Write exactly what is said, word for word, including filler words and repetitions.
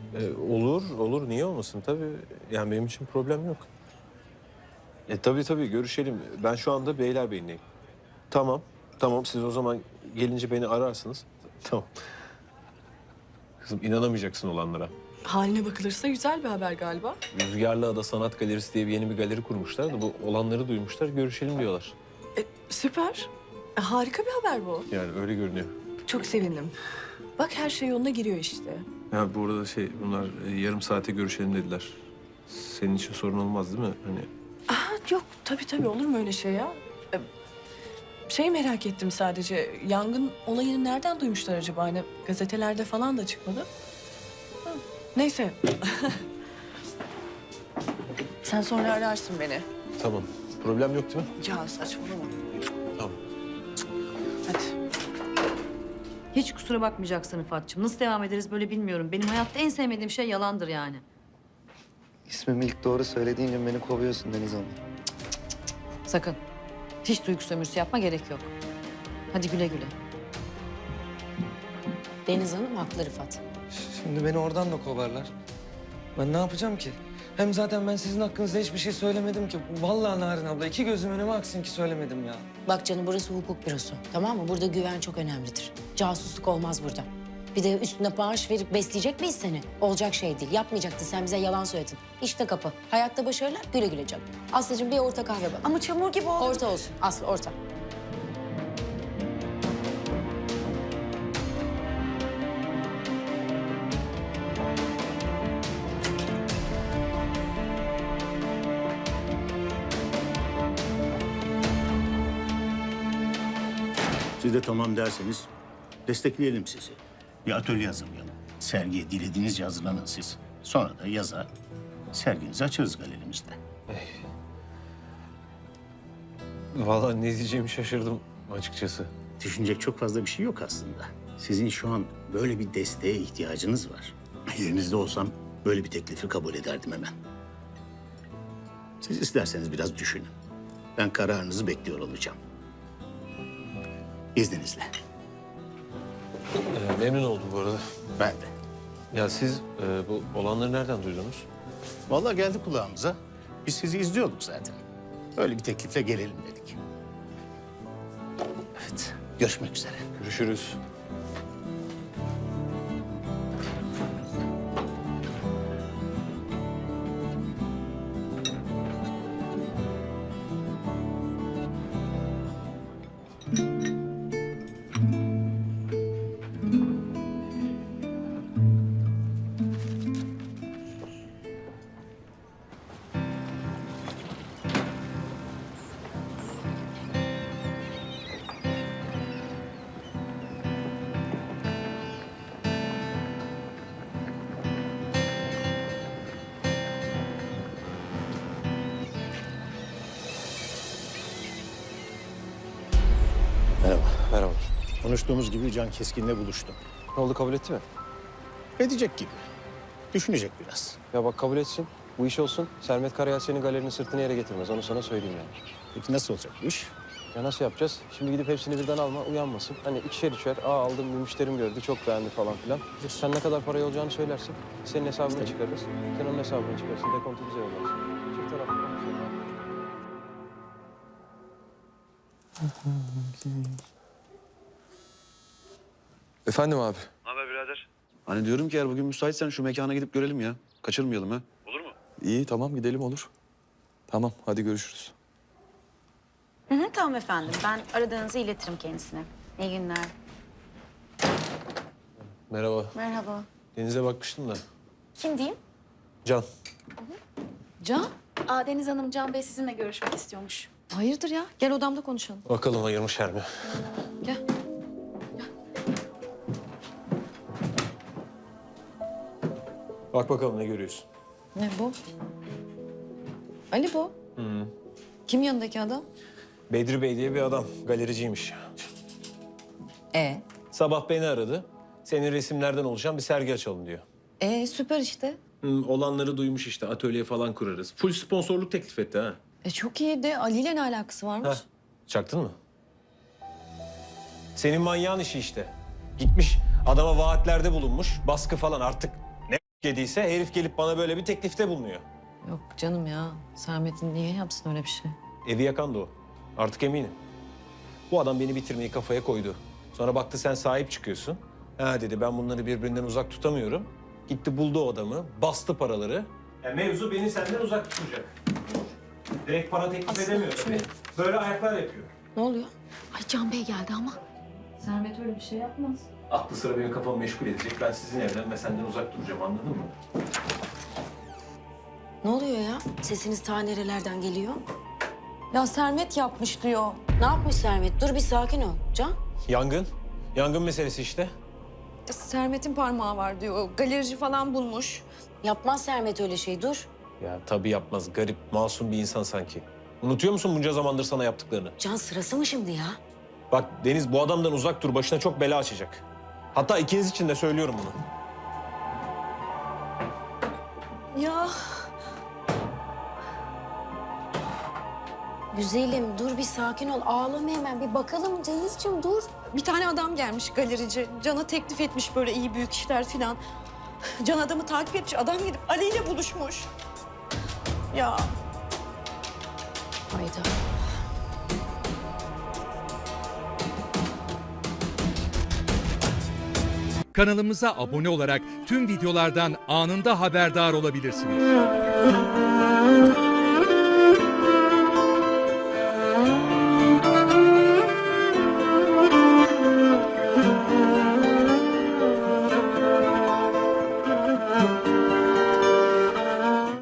E, olur, olur. Niye olmasın? Tabii. Yani benim için problem yok. E tabii tabii görüşelim. Ben şu anda Beylerbeyi'ndeyim. Tamam, tamam. Siz o zaman gelince beni ararsınız. Tamam. Kızım inanamayacaksın olanlara. Haline bakılırsa güzel bir haber galiba. Rüzgarlı Ada Sanat Galerisi diye bir yeni bir galeri kurmuşlar da bu olanları duymuşlar, görüşelim diyorlar. E, süper. E, harika bir haber bu. Yani öyle görünüyor. Çok sevindim. Bak her şey yoluna giriyor işte. Ya bu arada şey, bunlar e, yarım saate görüşelim dediler. Senin için sorun olmaz değil mi? Hani Aa, yok tabii tabii olur mu öyle şey ya? E, şey merak ettim sadece. Yangın olayını nereden duymuşlar acaba? Hani gazetelerde falan da çıkmadı. Hı, neyse. Sen sonra ararsın beni. tamam. Problem yok değil mi? Ya saçmalama. Tamam. Hadi. Hiç kusura bakmayacaksın Rıfat'cığım. Nasıl devam ederiz böyle bilmiyorum. Benim hayatta en sevmediğim şey yalandır yani. İsmimi ilk doğru söylediğin gün beni kovuyorsun Deniz Hanım. Sakın. Hiç duygu sömürüsü yapma, gerek yok. Hadi güle güle. Deniz Hanım haklı Rıfat. Şimdi beni oradan da kovarlar. Ben ne yapacağım ki? Hem zaten ben sizin hakkınızda hiçbir şey söylemedim ki. Vallahi Narin abla iki gözüm önüme aksın ki söylemedim ya. Bak canım burası hukuk bürosu. Tamam mı? Burada güven çok önemlidir. Casusluk olmaz burada. Bir de üstüne maaş verip besleyecek miyiz seni? Olacak şey değil. Yapmayacaktın. Sen bize yalan söyledin. İşte kapı. Hayatta başarılar, güle güle canım. Aslıcığım bir orta kahve bak. Ama çamur gibi oldu. Orta olsun. Aslı orta. Siz de tamam derseniz destekleyelim sizi. Bir atölye hazırlayalım. Sergiye dilediğinizce hazırlanın siz. Sonra da yaza serginizi açarız galerimizde. Vallahi ne diyeceğimi şaşırdım açıkçası. Düşünecek çok fazla bir şey yok aslında. Sizin şu an böyle bir desteğe ihtiyacınız var. Yerinizde olsam böyle bir teklifi kabul ederdim hemen. Siz isterseniz biraz düşünün. Ben kararınızı bekliyor olacağım. İzninizle. Ee, memnun oldum bu arada. Ben de. Ya siz e, bu olanları nereden duydunuz? Vallahi geldi kulağımıza. Biz sizi izliyorduk zaten. Öyle bir teklifle gelelim dedik. Evet, görüşmek üzere. Görüşürüz. Merhaba. Merhaba. Konuştuğumuz gibi Can Keskin'le buluştum. Ne oldu, kabul etti mi? Edecek gibi. Düşünecek biraz. Ya bak, kabul etsin. Bu iş olsun. Sermet Karayel senin galerinin sırtını yere getirmez. Onu sana söyleyeyim yani. Peki nasıl olacak bu iş? Ya nasıl yapacağız? Şimdi gidip hepsini birden alma, uyanmasın. Hani ikişer üçer, aa aldım bir müşterim gördü, çok beğendi falan filan. Sen ne kadar parayı olacağını söylersin. Senin hesabını çıkarırız. Sen onun hesabını çıkarırsın, dekontu bize yollarsın. Çift taraflı konuşalım. Efendim abi. Ne haber birader? Hani diyorum ki eğer bugün müsaitsen şu mekana gidip görelim ya. Kaçırmayalım ha. Olur mu? İyi tamam gidelim olur. Tamam hadi görüşürüz. Hı hı, tamam efendim. Ben aradığınızı iletirim kendisine. İyi günler. Merhaba. Merhaba. Denize bakmıştım da. Kim diyeyim? Can. Can, Aa, Deniz Hanım, Can Bey sizinle görüşmek istiyormuş. hayırdır ya? Gel odamda konuşalım. Bakalım ayırmışlar mı? Gel. Bak bakalım ne görüyorsun? Ne bu? Ali bu. Hı. Kim yanındaki adam? Bedri Bey diye bir adam. Galericiymiş. E, Sabah beni aradı. Senin resimlerden oluşan bir sergi açalım diyor. e süper işte. Hı, olanları duymuş işte. Atölye falan kurarız. Full sponsorluk teklif etti ha. E çok iyi de Ali ile ne alakası varmış? Heh, çaktın mı? Senin manyağın işi işte. Gitmiş adama vaatlerde bulunmuş. Baskı falan artık yediyse herif gelip bana böyle bir teklifte bulunuyor. Yok canım ya. Sermet'in niye yapsın öyle bir şey? Evi yakan da o. Artık eminim. Bu adam beni bitirmeyi kafaya koydu. Sonra baktı sen sahip çıkıyorsun. Ha dedi ben bunları birbirinden uzak tutamıyorum. Gitti buldu o adamı, bastı paraları. Ya mevzu beni senden uzak tutacak. Direkt para teklif Aslı, edemiyor şunu- tabii. Böyle ayaklar yapıyor. Ne oluyor? Ay Can Bey geldi ama. Sermet öyle bir şey yapmaz. Aklı sıra benim kafamı meşgul edecek. Ben sizin evden ve senden uzak duracağım anladın mı? Ne oluyor ya? Sesiniz ta nerelerden geliyor? Ya Sermet yapmış diyor. Ne yapmış Sermet? Dur bir sakin ol. Can? Yangın. Yangın meselesi işte. Sermet'in parmağı var diyor. Galerici falan bulmuş. Yapmaz Sermet öyle şey. Dur. Ya tabii yapmaz. Garip, masum bir insan sanki. Unutuyor musun bunca zamandır sana yaptıklarını? Can sırası mı şimdi ya? Bak Deniz bu adamdan uzak dur. Başına çok bela açacak. Hatta ikiniz için de söylüyorum bunu. Ya Güzelim dur bir sakin ol. Ağlama hemen. Bir bakalım Denizciğim dur. bir tane adam gelmiş galerici. Can'a teklif etmiş böyle iyi büyük işler falan. Can adamı takip etmiş. Adam gidip Ali ile buluşmuş. Ya Hayda. Kanalımıza abone olarak tüm videolardan anında haberdar olabilirsiniz.